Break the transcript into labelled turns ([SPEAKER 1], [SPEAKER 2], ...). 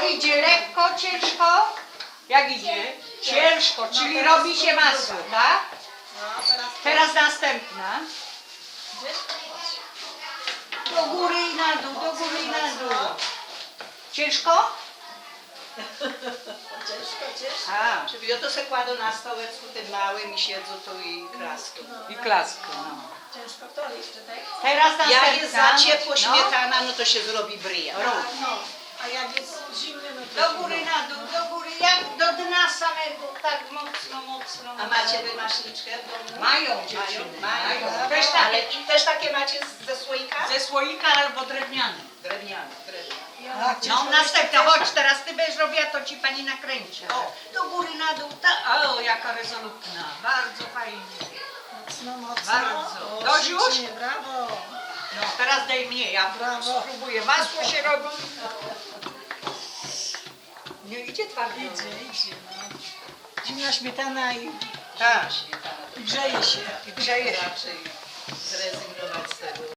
[SPEAKER 1] idzie lekko, ciężko? Jak idzie? Ciężko, czyli robi się masło, tak?
[SPEAKER 2] No,
[SPEAKER 1] Teraz następna. Do góry i na dół, do góry i na dół. Ciężko?
[SPEAKER 2] ciężko.
[SPEAKER 1] A,
[SPEAKER 2] Czyli ja to se kładą na stołeczku tym małym i siedzą tu i klaską.
[SPEAKER 1] i klaskę, no.
[SPEAKER 3] Ciężko to jeszcze, tak?
[SPEAKER 1] Teraz następna.
[SPEAKER 2] Jak jest za ciepło
[SPEAKER 1] No.
[SPEAKER 2] śmietana, no to się zrobi bryja.
[SPEAKER 3] No, a jak jest zimny, no to
[SPEAKER 1] Do góry, na dół, do góry, jak do dna samego, tak mocno, mocno.
[SPEAKER 2] A macie wy maśniczkę w domu?
[SPEAKER 1] Mają dziewczyny, mają.
[SPEAKER 2] Też
[SPEAKER 1] Też
[SPEAKER 2] ale
[SPEAKER 1] takie,
[SPEAKER 2] i też takie macie ze słoika?
[SPEAKER 1] ze słoika albo drewniane.
[SPEAKER 2] Drewniane.
[SPEAKER 1] No następna, chodź, teraz ty będziesz robiła, to ci pani nakręci. O, do góry, na dół, o, jaka rezolutna, bardzo fajnie.
[SPEAKER 3] mocno.
[SPEAKER 1] Bardzo.
[SPEAKER 3] O,
[SPEAKER 1] Dość już?
[SPEAKER 3] ślicznie, brawo.
[SPEAKER 1] No, teraz daj mnie, ja
[SPEAKER 3] Brawo.
[SPEAKER 1] spróbuję. Masło się robi. Nie idzie twardo.
[SPEAKER 3] Idzie, no. Zimna śmietana i
[SPEAKER 1] Tak.
[SPEAKER 2] Śmietana to
[SPEAKER 3] grzeje się.
[SPEAKER 1] I grzeje się.
[SPEAKER 2] raczej zrezygnować z tego.